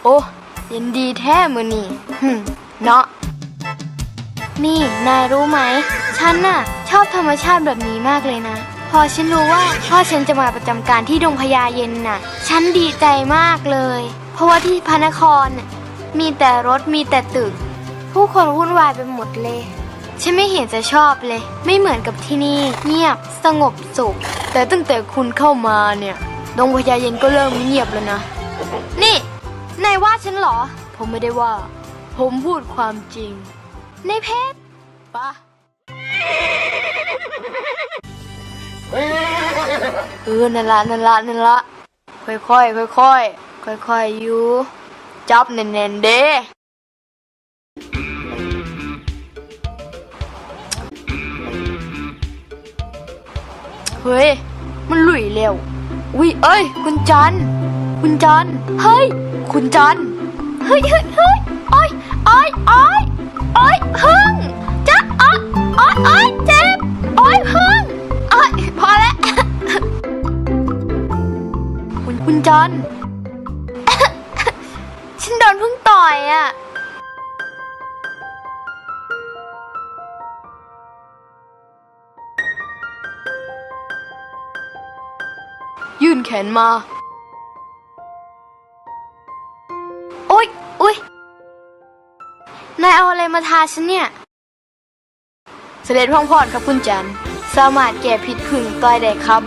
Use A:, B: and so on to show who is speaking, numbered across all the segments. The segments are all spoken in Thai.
A: โอ้ยินดีแท้มือนี่เนาะนี่นายรู้ไหมฉันน่ะชอบธรรมชาติแบบนี้มากเลยนะพอฉันรู้ว่าพ่อฉันจะมาประจำการที่ดงพญาเย็นน่ะฉันดีใจมากเลยเพราะว่าที่พระนครมีแต่รถมีแต่ตึกผู้คนวุ่นวายไปหมดเลยฉันไม่เห็นจะชอบเลยไม่เหมือนกับที่นี่เงียบสงบสุขแต่ตั้งแต่คุณเข้ามาเนี่ยดงพญาเย็นก็เริ่มเงียบแล้วนะนี่นายว่าฉันเหรอผมไม่ได้ว่าผมพูดความจริงในเพชรปะนั่นละค่อยอยู่จับแน่นๆเด้เฮ้ยมันหลุยเร็วอุ้ยเอ้ยคุณจันเฮ้ยคุณจันเฮ้ยโอ้ยพึ่งจ๊ะโอ้ยเจ็บโอ้ยพึ่งพอแล้วคุณจัน ฉันโดนพึ่งต่อยอ่ะยื่นแขนมาอุ๊ยนายเอาอะไรมาทาฉันเนี่ยเสด็จพ่อพอดครับคุณจันสามารถแก้พิษผึ่งต่อยได้ครับ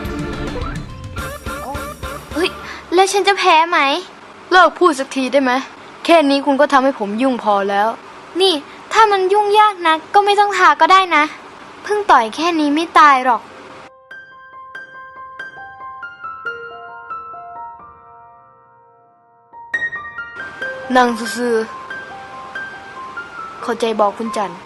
A: เฮ้ยแล้วฉันจะแพ้ไหมเลิกพูดสักทีได้ไหมแค่นี้คุณก็ทำให้ผมยุ่งพอแล้วนี่ถ้ามันยุ่งยากนะก็ไม่ต้องทาก็ได้นะเพิ่งต่อยแค่นี้ไม่ตายหรอกนั่งซื่อๆเข้าใจบอกคุณจัน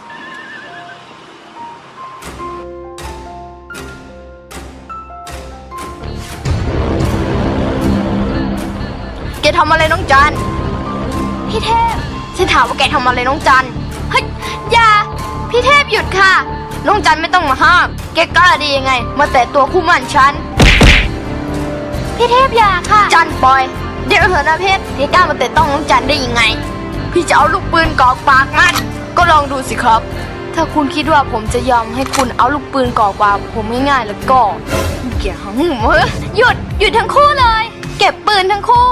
A: แกทำอะไรน้องจันพี่เทพฉันถามว่าแกทำอะไรน้องจันเฮ้ยอย่าพี่เทพหยุดค่ะน้องจันไม่ต้องมาห้ามแกกล้าดียังไงมาแตะตัวคู่หมั่นฉันพี่เทพอย่าค่ะจันปล่อยเดี๋ยวเถอะนะเพชรพี่กล้ามาแตะต้องน้องจันได้ยังไงพี่จะเอาลูกปืนกรอกปากมันก็ลองดูสิครับถ้าคุณคิดว่าผมจะยอมให้คุณเอาลูกปืนกรอกปากผมง่ายๆแล้วก็แกหังหยุดทั้งคู่เลยเก็บปืนทั้งคู่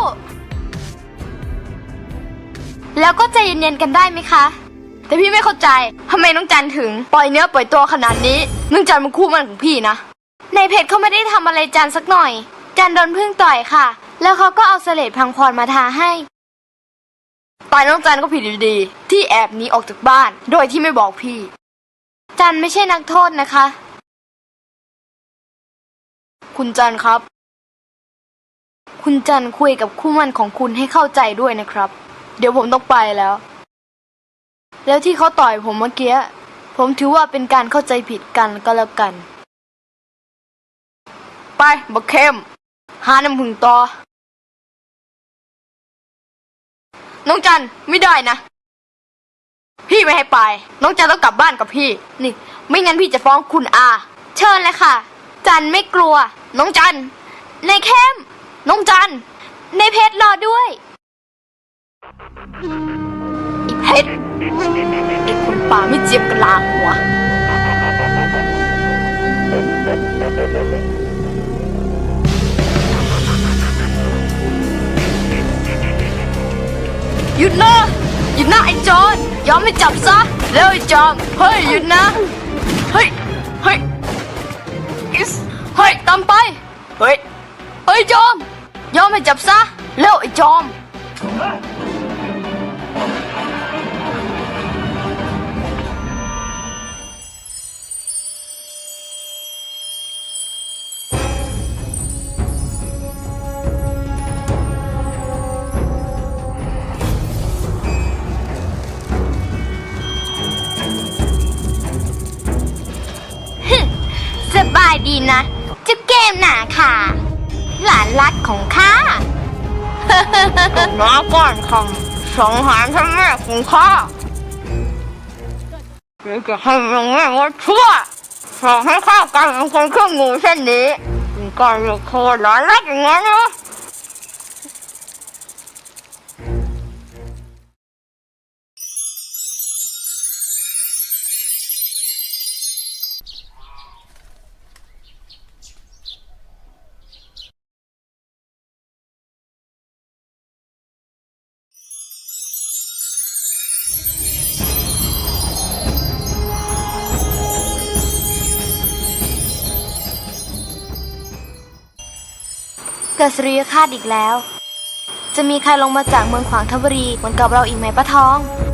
A: แล้วก็ใจเย็นๆกันได้ไหมคะแต่พี่ไม่เข้าใจทำไมน้องจันถึงปล่อยเนื้อปล่อยตัวขนาดนี้น้องจันมันคู่มันของพี่นะในเพจเขาไม่ได้ทำอะไรจันสักหน่อยจันโดนพึ่งต่อยค่ะแล้วเขาก็เอาเสลดพังพรมาทาให้ต่อยน้องจันก็ผิดอยู่ดีที่แอบหนีออกจากบ้านโดยที่ไม่บอกพี่จันไม่ใช่นักโทษนะคะคุณจันครับคุณจันคุยกับคู่มั่นของคุณให้เข้าใจด้วยนะครับเดี๋ยวผมต้องไปแล้วที่เขาต่อยผมเมื่อกี้ผมถือว่าเป็นการเข้าใจผิดกันก็แล้วกันไปบักเข้มหาน้ำผึ้งต่อน้องจันไม่ได้นะพี่ไม่ให้ไปน้องจันต้องกลับบ้านกับพี่นี่ไม่งั้นพี่จะฟ้องคุณอาเชิญเลยค่ะจันไม่กลัวน้องจันในเข้มน้องจันในเพชรรอด้วยอีเพชรไอ้คนป่าไม่เจียมกะลาหัวหยุดนะไอ้โจรยอมไม่จับซะเร็วไอ้จอมเฮ้ยหยุดนะเฮ้ยตามไปเฮ้ยจอมยอมไม่จับซะเร็วไอ้จอมสบายดีนะเจ้าเกมหนาค่ะหลานรักของข้าน้าก่อนคำสังหารท่านแม่ของข้าจะให้ยังไงว่าชั่วสอนให้ข้ากลายเป็นคนเครื่องงูเช่นนี้เป็นการเลือกโคตรหลานรักอย่างนั้นนะเกิดสุริยคราสอีกแล้ว จะมีใครลงมาจากเมืองขวางทบุรีเหมือนกับเราอีกไหมป้าทอง